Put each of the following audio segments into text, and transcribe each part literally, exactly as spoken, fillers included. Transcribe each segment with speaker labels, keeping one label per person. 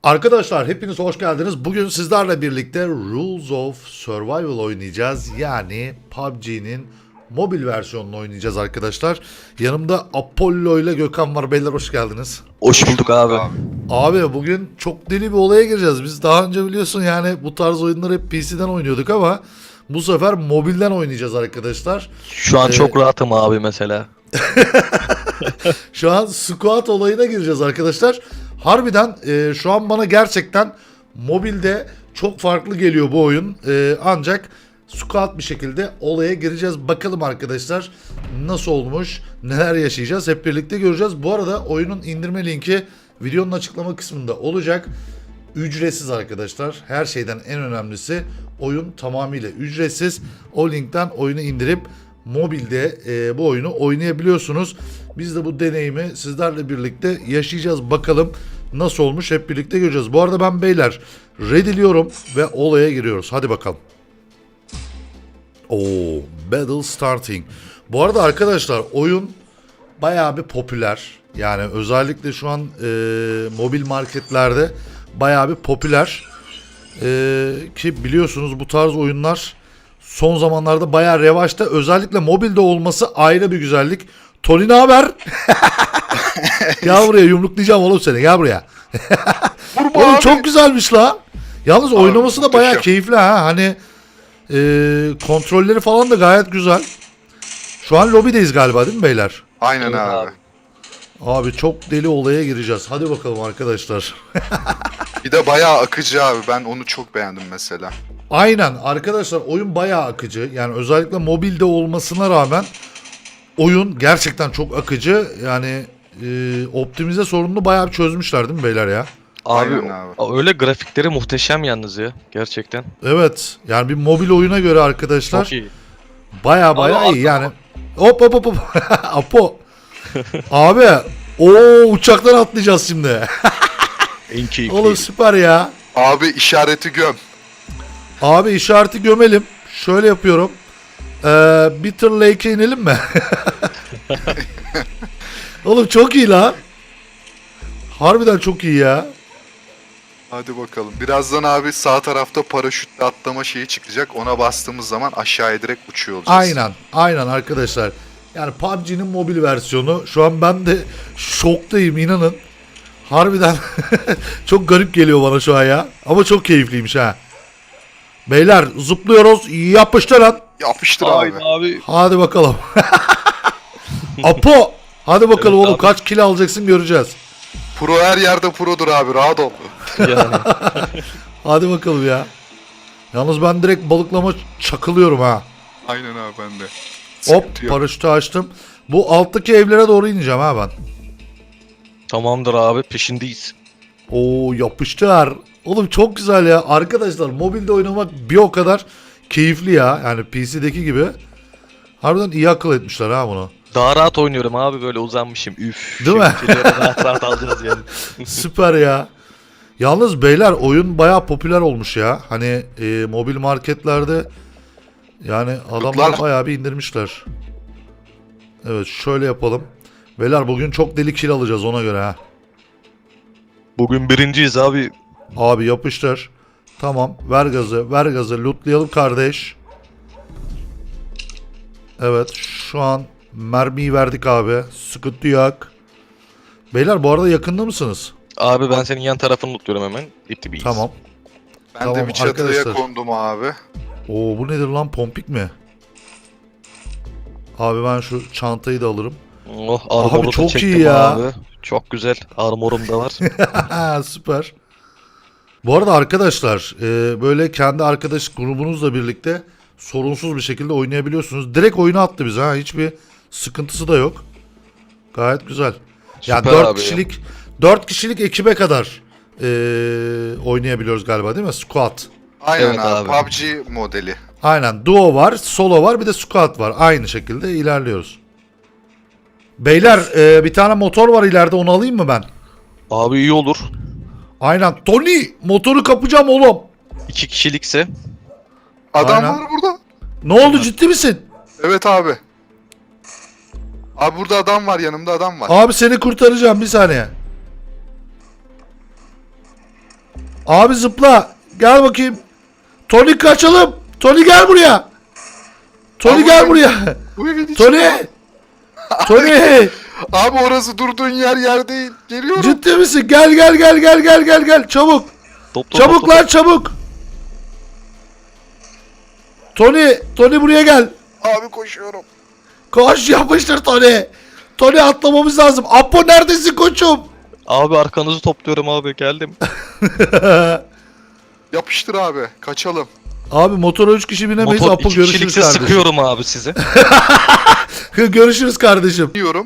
Speaker 1: Arkadaşlar hepiniz hoş geldiniz. Bugün sizlerle birlikte Rules of Survival oynayacağız. Yani P U B G'nin mobil versiyonunu oynayacağız arkadaşlar. Yanımda Apollo ile Gökhan var. Beyler hoş geldiniz.
Speaker 2: Hoş bulduk abi.
Speaker 1: Abi bugün çok deli bir olaya gireceğiz. Biz daha önce biliyorsun yani bu tarz oyunları hep P C'den oynuyorduk ama bu sefer mobilden oynayacağız arkadaşlar.
Speaker 2: Şu an
Speaker 1: Ee,
Speaker 2: çok rahatım abi mesela.
Speaker 1: Şu an squat olayına gireceğiz arkadaşlar. Harbiden e, şu an bana gerçekten mobilde çok farklı geliyor bu oyun. E, ancak squat bir şekilde olaya gireceğiz. Bakalım arkadaşlar nasıl olmuş, neler yaşayacağız hep birlikte göreceğiz. Bu arada oyunun indirme linki videonun açıklama kısmında olacak. Ücretsiz arkadaşlar. Her şeyden en önemlisi oyun tamamıyla ücretsiz. O linkten oyunu indirip mobilde e, bu oyunu oynayabiliyorsunuz. Biz de bu deneyimi sizlerle birlikte yaşayacağız. Bakalım nasıl olmuş hep birlikte göreceğiz. Bu arada ben beyler ready'liyorum ve olaya giriyoruz. Hadi bakalım. Oo, battle starting. Bu arada arkadaşlar oyun bayağı bir popüler. Yani özellikle şu an e, mobil marketlerde bayağı bir popüler. E, ki biliyorsunuz bu tarz oyunlar son zamanlarda bayağı revaçta. Özellikle mobilde olması ayrı bir güzellik. Tony ne haber? Gel buraya, yumruklayacağım oğlum seni. Gel buraya. Oğlum çok güzelmiş la. Yalnız abi, oynaması da bayağı keyifli ha. Hani e, kontrolleri falan da gayet güzel. Şu an lobideyiz galiba değil mi beyler?
Speaker 3: Aynen
Speaker 2: Evet
Speaker 3: abi.
Speaker 2: abi.
Speaker 1: Abi çok deli olaya gireceğiz. Hadi bakalım arkadaşlar.
Speaker 3: Bir de bayağı akıcı abi. Ben onu çok beğendim mesela.
Speaker 1: Aynen arkadaşlar, oyun bayağı akıcı. Yani özellikle mobilde olmasına rağmen oyun gerçekten çok akıcı. Yani e, optimize sorununu bayağı bir çözmüşler değil mi beyler ya?
Speaker 2: Abi,
Speaker 3: Aynen abi.
Speaker 2: öyle grafikleri muhteşem yalnız ya gerçekten.
Speaker 1: Evet. Yani bir mobil oyuna göre arkadaşlar
Speaker 2: Çok iyi.
Speaker 1: bayağı bayağı
Speaker 2: Abi,
Speaker 1: iyi yani. Hop hop hop hop. Apo. Abi o uçaktan atlayacağız şimdi.
Speaker 2: En keyifli.
Speaker 1: Oğlum süper ya.
Speaker 3: Abi işareti göm.
Speaker 1: Abi işareti gömelim. Şöyle yapıyorum. Ee, Bitter Lake'e inelim mi? Oğlum çok iyi la. Harbiden çok iyi ya.
Speaker 3: Hadi bakalım. Birazdan abi sağ tarafta paraşütle atlama şeyi çıkacak. Ona bastığımız zaman aşağıya direkt uçuyor olacağız.
Speaker 1: Aynen. Aynen arkadaşlar. Yani P U B G'nin mobil versiyonu. Şu an ben de şoktayım inanın. Harbiden çok garip geliyor bana şu an ya. Ama çok keyifliymiş ha. Beyler zıplıyoruz. Yapıştır lan.
Speaker 3: Yapıştır
Speaker 2: Haydi
Speaker 3: abi.
Speaker 2: abi.
Speaker 1: Hadi bakalım. Apo. Hadi bakalım
Speaker 2: Evet
Speaker 1: oğlum
Speaker 2: abi.
Speaker 1: kaç kilo alacaksın göreceğiz.
Speaker 3: Pro her yerde produr abi. Rahat ol.
Speaker 2: Yani.
Speaker 1: Hadi bakalım ya. Yalnız ben direkt balıklama çakılıyorum ha.
Speaker 3: Aynen abi ben de.
Speaker 1: Hop
Speaker 3: Sıkıntı yok.
Speaker 1: paraşütü açtım. Bu alttaki evlere doğru ineceğim ha ben.
Speaker 2: Tamamdır abi, peşindeyiz.
Speaker 1: Oo yapıştır. Oğlum çok güzel ya. Arkadaşlar mobilde oynamak bir o kadar keyifli ya. Yani P C'deki gibi. Harbiden iyi akıl etmişler ha bunu.
Speaker 2: Daha rahat oynuyorum abi, böyle uzanmışım. Üf.
Speaker 1: Değil mi?
Speaker 2: Şimdi rahat rahat alacağız yani.
Speaker 1: Süper ya. Yalnız beyler oyun bayağı popüler olmuş ya. Hani e, mobil marketlerde yani adamlar
Speaker 3: Kutlar.
Speaker 1: bayağı bir indirmişler. Evet şöyle yapalım. Beyler bugün çok deli kill alacağız ona göre ha.
Speaker 2: Bugün birinciyiz abi.
Speaker 1: Abi yapıştır. Tamam ver gazı ver gazı lootlayalım kardeş. Evet şu an mermiyi verdik abi. Sıkıntı yok. Beyler bu arada yakında mısınız?
Speaker 2: Abi ben senin yan tarafını tutuyorum hemen. Dip dibiyiz.
Speaker 1: Tamam.
Speaker 3: Ben
Speaker 1: Tamam
Speaker 3: de bir çatıya
Speaker 1: arkadaşlar.
Speaker 3: kondum abi.
Speaker 1: Oo bu nedir lan, pompik mi? Abi ben şu çantayı da alırım.
Speaker 2: Oh, armoru da
Speaker 1: çok
Speaker 2: çektim
Speaker 1: iyi ya.
Speaker 2: Abi. Çok güzel. Armorum da var.
Speaker 1: Süper. Bu arada arkadaşlar e, böyle kendi arkadaş grubunuzla birlikte sorunsuz bir şekilde oynayabiliyorsunuz. Direkt oyuna attı bize ha, hiçbir sıkıntısı da yok. Gayet güzel. Yani
Speaker 2: Süper
Speaker 1: dört
Speaker 2: abi ya.
Speaker 1: kişilik dört kişilik ekibe kadar e, oynayabiliyoruz galiba değil mi? Squad.
Speaker 3: Aynen
Speaker 2: Evet
Speaker 3: abi.
Speaker 2: abi.
Speaker 3: P U B G modeli.
Speaker 1: Aynen, duo var, solo var, bir de squad var. Aynı şekilde ilerliyoruz. Beyler e, bir tane motor var ileride, onu alayım mı ben?
Speaker 2: Abi iyi olur.
Speaker 1: Aynen. Tony motoru kapacağım oğlum.
Speaker 2: İki kişilikse.
Speaker 3: Adam
Speaker 1: Aynen.
Speaker 3: var burada.
Speaker 1: Ne oldu, ciddi misin?
Speaker 3: Evet abi. Abi burada adam var, yanımda adam var.
Speaker 1: Abi seni kurtaracağım bir saniye. Abi zıpla. Gel bakayım. Tony kaçalım. Tony gel buraya. Tony
Speaker 3: Abi
Speaker 1: gel
Speaker 3: ben-
Speaker 1: buraya.
Speaker 3: Bu evin içi
Speaker 1: Tony.
Speaker 3: var.
Speaker 1: Tony.
Speaker 3: Abi orası durduğun yer yer değil. Geliyorum.
Speaker 1: Ciddi misin? Gel gel gel gel gel gel gel. Çabuk.
Speaker 2: Top, top,
Speaker 1: Çabuk
Speaker 2: top,
Speaker 1: lan
Speaker 2: top.
Speaker 1: çabuk. Tony. Tony buraya gel.
Speaker 3: Abi koşuyorum.
Speaker 1: Koş yapıştır Tony. Tony atlamamız lazım. Apo neredesin koçum?
Speaker 2: Abi arkanızı topluyorum abi geldim.
Speaker 3: Yapıştır abi. Kaçalım.
Speaker 1: Abi motora üç kişi binemeyiz.
Speaker 2: Motor
Speaker 1: Apo
Speaker 2: iki
Speaker 1: görüşürüz
Speaker 2: kişilikse
Speaker 1: kardeşim.
Speaker 2: sıkıyorum abi sizi.
Speaker 1: Görüşürüz kardeşim.
Speaker 3: Diyorum.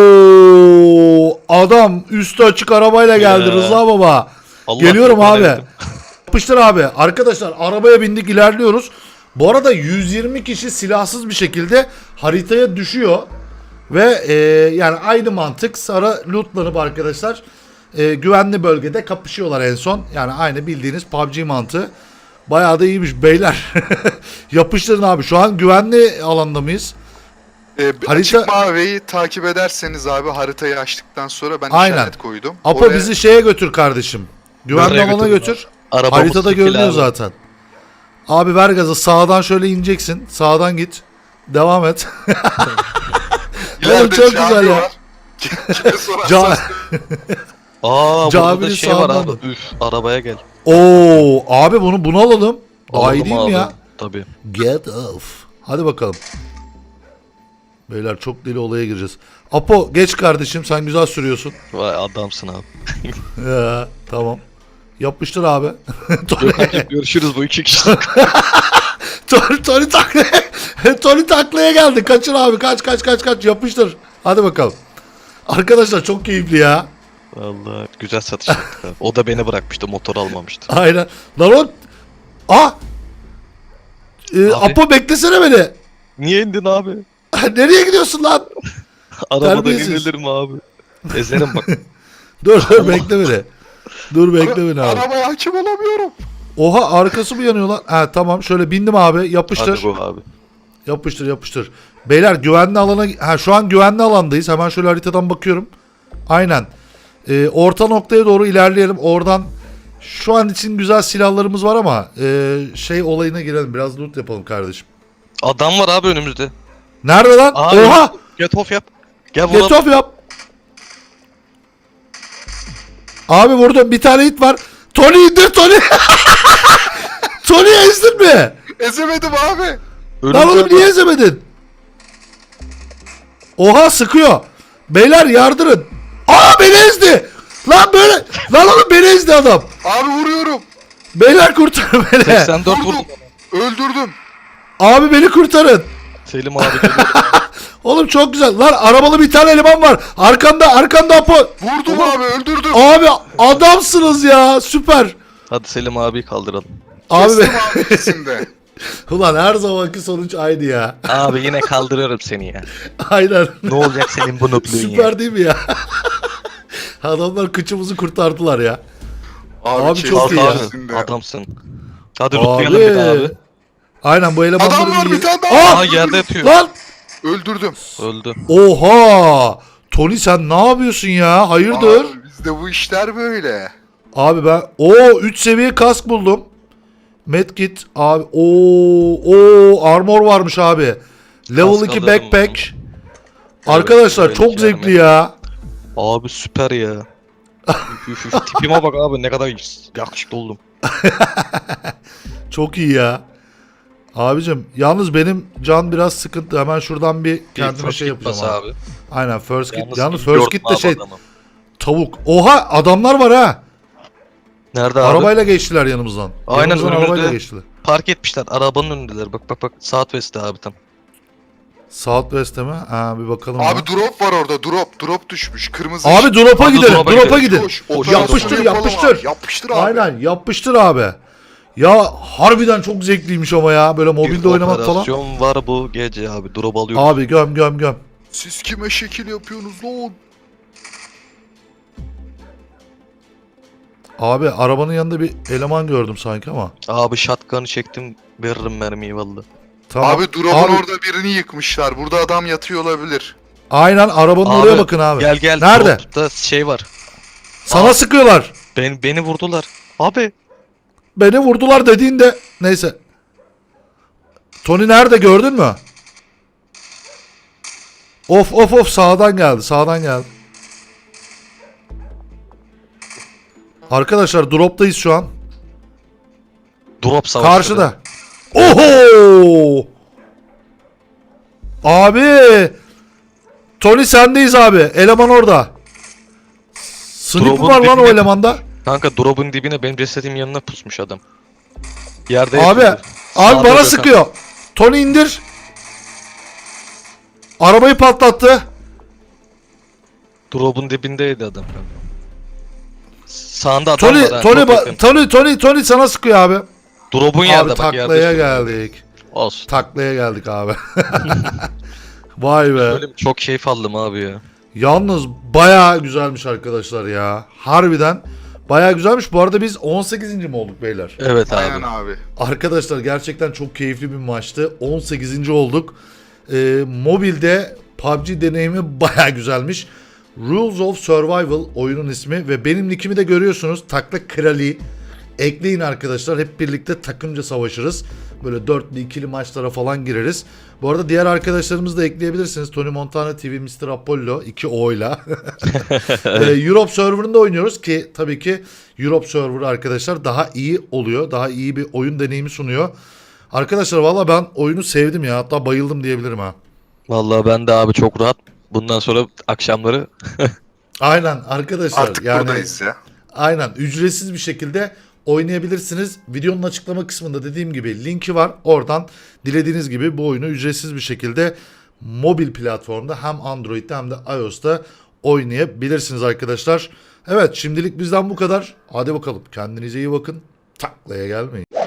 Speaker 1: Oo, adam üstü açık arabayla geldi
Speaker 2: Ya.
Speaker 1: Rıza baba.
Speaker 2: Allah
Speaker 1: Geliyorum
Speaker 2: kurban
Speaker 1: abi.
Speaker 2: ettim.
Speaker 1: Yapıştır abi. Arkadaşlar arabaya bindik ilerliyoruz. Bu arada yüz yirmi kişi silahsız bir şekilde haritaya düşüyor. Ve e, yani aynı mantık Sara lootlanıp arkadaşlar e, güvenli bölgede kapışıyorlar en son. Yani aynı bildiğiniz P U B G mantığı. Bayağı da iyiymiş beyler. Yapıştırın abi. Şu an güvenli alanda mıyız?
Speaker 3: Ee,
Speaker 1: Harita-
Speaker 3: Açık maviyi takip ederseniz abi haritayı açtıktan sonra ben
Speaker 1: Aynen.
Speaker 3: işaret koydum.
Speaker 1: Apo
Speaker 3: Oraya-
Speaker 1: bizi şeye götür kardeşim. Güvenli
Speaker 2: Nereye
Speaker 1: alana
Speaker 2: götüreyim
Speaker 1: götür.
Speaker 2: Arabamız
Speaker 1: Haritada
Speaker 2: sıfır
Speaker 1: görünüyor
Speaker 2: abi.
Speaker 1: zaten. Abi ver gazı. Sağdan şöyle ineceksin. Sağdan git. Devam et.
Speaker 3: İleride
Speaker 1: Oğlum çok
Speaker 3: cami
Speaker 1: güzel ya.
Speaker 3: var. Kime sorarsan
Speaker 1: Ca-
Speaker 2: Aa burada
Speaker 1: Caminin
Speaker 2: da şey var
Speaker 1: sağından
Speaker 2: abi.
Speaker 1: mı?
Speaker 2: Üf arabaya gel.
Speaker 1: Oo, abi bunu bunu alalım. Daha iyi
Speaker 2: Alalım
Speaker 1: değil mi
Speaker 2: abi.
Speaker 1: ya?
Speaker 2: Tabii.
Speaker 1: Get off. Hadi bakalım. Beyler çok deli olaya gireceğiz. Apo geç kardeşim, sen güzel sürüyorsun.
Speaker 2: Vay adamsın abi.
Speaker 1: Ya, tamam. Yapıştır abi. Tony,
Speaker 2: Gökhan'cığım görüşürüz bu iki kişi.
Speaker 1: Tony, Tony taklaya, Tony taklaya geldi. Kaçır abi, kaç kaç kaç kaç yapıştır. Hadi bakalım. Arkadaşlar çok keyifli ya.
Speaker 2: Vallahi güzel satış yaptık abi. O da beni bırakmıştı motor almamıştı.
Speaker 1: Aynen. Lan o... Ah! Ee,
Speaker 2: Abi.
Speaker 1: Apo beklesene beni.
Speaker 2: Niye indin abi?
Speaker 1: Nereye gidiyorsun lan?
Speaker 2: Arabadan
Speaker 1: Terbiyesiz.
Speaker 2: inilir mi abi? Ezerim bak.
Speaker 1: Dur dur bekle beni. Dur bekle beni abi.
Speaker 3: Arabaya hakim olamıyorum.
Speaker 1: Oha arkası mı yanıyor lan? Ha tamam şöyle bindim abi. Yapıştır.
Speaker 2: Hadi bu abi.
Speaker 1: Yapıştır yapıştır. Beyler güvenli alana... Ha şu an güvenli alandayız. Hemen şöyle haritadan bakıyorum. Aynen. Ee, orta noktaya doğru ilerleyelim. Oradan şu an için güzel silahlarımız var ama e, şey olayına girelim. Biraz loot yapalım kardeşim.
Speaker 2: Adam var abi önümüzde.
Speaker 1: Nerede lan?
Speaker 2: Aa,
Speaker 1: Oha!
Speaker 2: Get off yap. Gel
Speaker 1: Get
Speaker 2: vuralım.
Speaker 1: off yap. Abi vurdum. Bir tane hit var. Tony indir Tony. Tony ezdin mi?
Speaker 3: Ezemedim abi.
Speaker 1: Lan oğlum niye ezemedin? Oha sıkıyor. Beyler yardırın. Aa beni ezdi. Lan böyle. Lan oğlum beni ezdi adam.
Speaker 3: Abi vuruyorum.
Speaker 1: Beyler kurtarın beni.
Speaker 2: seksen dört vurdum.
Speaker 3: Vurdum. Öldürdüm.
Speaker 1: Abi beni kurtarın.
Speaker 2: Selim abi geliyor.
Speaker 1: Oğlum çok güzel. Lan arabalı bir tane eleman var. Arkanda arkanda Apo.
Speaker 3: Vurdum abi öldürdüm.
Speaker 1: Abi adamsınız ya. Süper.
Speaker 2: Hadi Selim abi kaldıralım.
Speaker 1: Abi
Speaker 3: Kestim abi ikisini de.
Speaker 1: ulan her zamanki sonuç aynı ya.
Speaker 2: Abi yine kaldırıyorum seni ya.
Speaker 1: Aynen.
Speaker 2: Ne olacak senin bu nöblüğün ya?
Speaker 1: Süper değil mi ya? Adamlar kıçımızı kurtardılar ya.
Speaker 3: Abi,
Speaker 1: Abi
Speaker 3: kestim
Speaker 1: çok iyi ya.
Speaker 3: ikisini de.
Speaker 2: Adamsın. Hadi lootlayalım bir daha abi.
Speaker 1: Aynen bu elemanları
Speaker 3: Adam var
Speaker 1: iyi-
Speaker 3: bir tane daha.
Speaker 1: Aa!
Speaker 2: Aa yerde yatıyor.
Speaker 1: Lan!
Speaker 3: Öldürdüm.
Speaker 2: Öldü.
Speaker 1: Oha! Tony sen ne yapıyorsun ya? Hayırdır?
Speaker 3: Abi, bizde bu işler böyle.
Speaker 1: Abi ben o üç seviye kask buldum. Medkit abi. Oo o armor varmış abi. Level
Speaker 2: Kask
Speaker 1: iki
Speaker 2: alırım
Speaker 1: backpack. Arkadaşlar
Speaker 2: level
Speaker 1: çok
Speaker 2: iki
Speaker 1: zevkli
Speaker 2: armor.
Speaker 1: ya.
Speaker 2: Abi süper ya. Üf, üf, üf. Tipime bak abi ne kadar yakışıklı oldum.
Speaker 1: Çok iyi ya. Abicim yalnız benim can biraz sıkıntı. Hemen şuradan bir kendime
Speaker 2: First
Speaker 1: şey
Speaker 2: kit bas
Speaker 1: yapacağım abi.
Speaker 2: abi.
Speaker 1: Aynen first kit. Yalnız,
Speaker 2: Yalnız
Speaker 1: first kit de
Speaker 2: abi
Speaker 1: şey
Speaker 2: adamı.
Speaker 1: tavuk. Oha adamlar var ha.
Speaker 2: Nerede abi?
Speaker 1: Arabayla geçtiler yanımızdan.
Speaker 2: Aynen,
Speaker 1: Yanımızdan
Speaker 2: önümüzde.
Speaker 1: arabayla geçtiler.
Speaker 2: Park etmişler. Arabanın önündeler. Bak bak bak. Southwest'te abi tam.
Speaker 1: Southwest'e mi? Ha bir bakalım.
Speaker 3: Abi
Speaker 1: ya.
Speaker 3: drop var orada drop. Drop düşmüş. Kırmızı
Speaker 1: Abi drop'a
Speaker 2: Hadi
Speaker 1: gidelim.
Speaker 2: drop'a
Speaker 1: Drop'a
Speaker 2: gidelim.
Speaker 1: gidelim.
Speaker 3: Koş,
Speaker 2: Koş,
Speaker 3: operasyonu
Speaker 1: yapıştır,
Speaker 3: yapalım
Speaker 1: yapıştır.
Speaker 3: Abi. Yapıştır abi.
Speaker 1: Aynen yapıştır abi. Ya harbiden çok zevkliymiş ama ya böyle mobilde
Speaker 2: Bir
Speaker 1: oynamak falan.
Speaker 2: operasyon var bu gece abi. Drop alıyoruz.
Speaker 1: Abi göm göm göm.
Speaker 3: Siz kime şekil yapıyorsunuz lan?
Speaker 1: Abi arabanın yanında bir eleman gördüm sanki ama.
Speaker 2: Abi shotgun'ı çektim. Veririm mermiyi valla.
Speaker 1: Tamam.
Speaker 3: Abi drop'un
Speaker 1: Abi,
Speaker 3: orada birini yıkmışlar. Burada adam yatıyor olabilir.
Speaker 1: aynen arabanın
Speaker 2: Abi,
Speaker 1: oraya bakın abi.
Speaker 2: Gel gel.
Speaker 1: Nerede?
Speaker 2: Drop'ta şey var.
Speaker 1: Sana
Speaker 2: Aa.
Speaker 1: sıkıyorlar.
Speaker 2: Ben, beni vurdular. Abi.
Speaker 1: Beni vurdular dediğinde neyse. Tony nerede gördün mü? Of of of sağdan geldi sağdan geldi. Arkadaşlar drop'tayız şu an.
Speaker 2: Drop savaşı.
Speaker 1: Karşıda. Oho! Abi! Tony sendeyiz abi. Eleman orada. Sniper
Speaker 2: Drop'un
Speaker 1: var lan o
Speaker 2: dibine-
Speaker 1: elemanda.
Speaker 2: Kanka drop'un dibine benim cesedim yanına pusmuş adam. Yerde
Speaker 1: Abi,
Speaker 2: yatıyordu.
Speaker 1: abi
Speaker 2: Sağda
Speaker 1: bana
Speaker 2: Gökhan.
Speaker 1: sıkıyor. Tony indir. Arabayı patlattı.
Speaker 2: Drop'un dibindeydi adam. Sağında adam
Speaker 1: Tony,
Speaker 2: var ha,
Speaker 1: Tony,
Speaker 2: çok
Speaker 1: ba-
Speaker 2: yakın.
Speaker 1: Tony, Tony, Tony sana sıkıyor abi.
Speaker 2: Drop'un
Speaker 1: Abi
Speaker 2: yerde bak
Speaker 1: taklaya
Speaker 2: yerde.
Speaker 1: geldik.
Speaker 2: Olsun.
Speaker 1: Taklaya geldik abi. Vay be.
Speaker 2: Böyle çok keyif aldım abi ya.
Speaker 1: Yalnız bayağı güzelmiş arkadaşlar ya. Harbiden bayağı güzelmiş. Bu arada biz on sekizinci mi olduk beyler?
Speaker 2: Evet abi.
Speaker 3: Aynen abi.
Speaker 1: Arkadaşlar gerçekten çok keyifli bir maçtı. on sekizinci olduk. Ee, mobilde P U B G deneyimi bayağı güzelmiş. Rules of Survival oyunun ismi ve benim nickimi de görüyorsunuz. Takla Krali. Ekleyin arkadaşlar. Hep birlikte takımca savaşırız. Böyle dörtlü ikili maçlara falan gireriz. Bu arada diğer arkadaşlarımızı da ekleyebilirsiniz. Tony Montana T V, mister Apollo iki O'yla. ee, Europe serverında oynuyoruz ki tabii ki Europe server arkadaşlar daha iyi oluyor. Daha iyi bir oyun deneyimi sunuyor. Arkadaşlar valla ben oyunu sevdim ya. Hatta bayıldım diyebilirim ha.
Speaker 2: Vallahi ben de abi çok rahat. Bundan sonra akşamları
Speaker 1: Aynen arkadaşlar.
Speaker 3: Artık
Speaker 1: yani
Speaker 3: buradayız ya.
Speaker 1: Aynen ücretsiz bir şekilde oynayabilirsiniz. Videonun açıklama kısmında dediğim gibi linki var. Oradan dilediğiniz gibi bu oyunu ücretsiz bir şekilde mobil platformda hem Android'de hem de iOS'ta oynayabilirsiniz arkadaşlar. Evet şimdilik bizden bu kadar. Hadi bakalım kendinize iyi bakın. Taklaya gelmeyin.